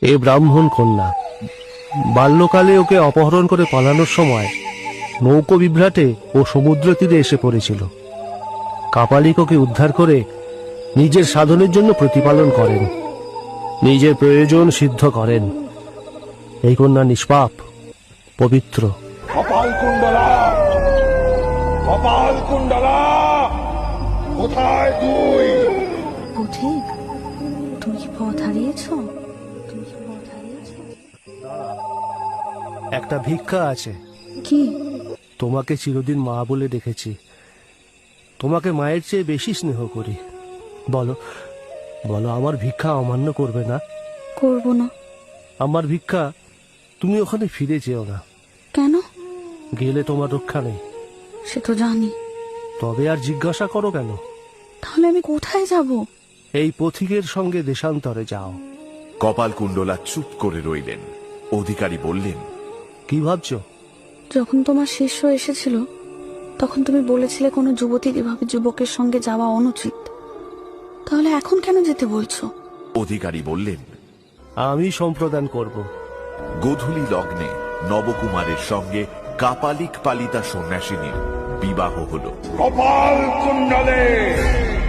এ ব্রাহ্মণ কন্যা। বাল্যকালে ওকে অপহরণ করে পালানোর সময় নৌকো বিভ্রাটে ও সমুদ্র তীরে এসে পড়েছিল। কাপালিক ওকে উদ্ধার করে নিজের সাধনের জন্য প্রতিপালন করেন, নিজের প্রয়োজন সিদ্ধ করেন। এই কন্যা নিষ্পাপ, পবিত্র। কপালকুণ্ডলা, কপালকুণ্ডলা, কোথায় তুই? পথিক, তুমি কি পথ হারিয়েছ? তুমি কি পথ হারিয়েছ? একটা ভিক্ষা আছে। কি? তোমাকে চিরদিন মা বলে দেখেছি, তোমাকে মায়ের চেয়ে বেশি স্নেহ করি। বলো বলো, আমার ভিক্ষা অমান্য করবে না? করব না। আমার ভিক্ষা, তুমি ওখানে ফিরে যেও না। কেন? গেলে তোমার রক্ষা নেই। সে তো জানি। তবে আর জিজ্ঞাসা করো কেন? তাহলে আমি কোথায় যাব? এই পথিকের সঙ্গে দেশান্তরে যাও। কপালকুণ্ডলা চুপ করে রইলেন। অধিকারী বললেন, কি ভাবছো? যখন তোমার শিষ্য এসেছিল তখন তুমি বলেছিলে কোনো যুবতীর এভাবে যুবকের সঙ্গে যাওয়া অনুচিত। তাহলে এখন কেন যেতে বলছো? অধিকারী বললেন, আমি সম্প্রদান করব। গোধূলি লগ্নে নবকুমারের সঙ্গে কাপালিক পালিতা সন্ন্যাসিনীর বিবাহ হল। কপালকুণ্ডলে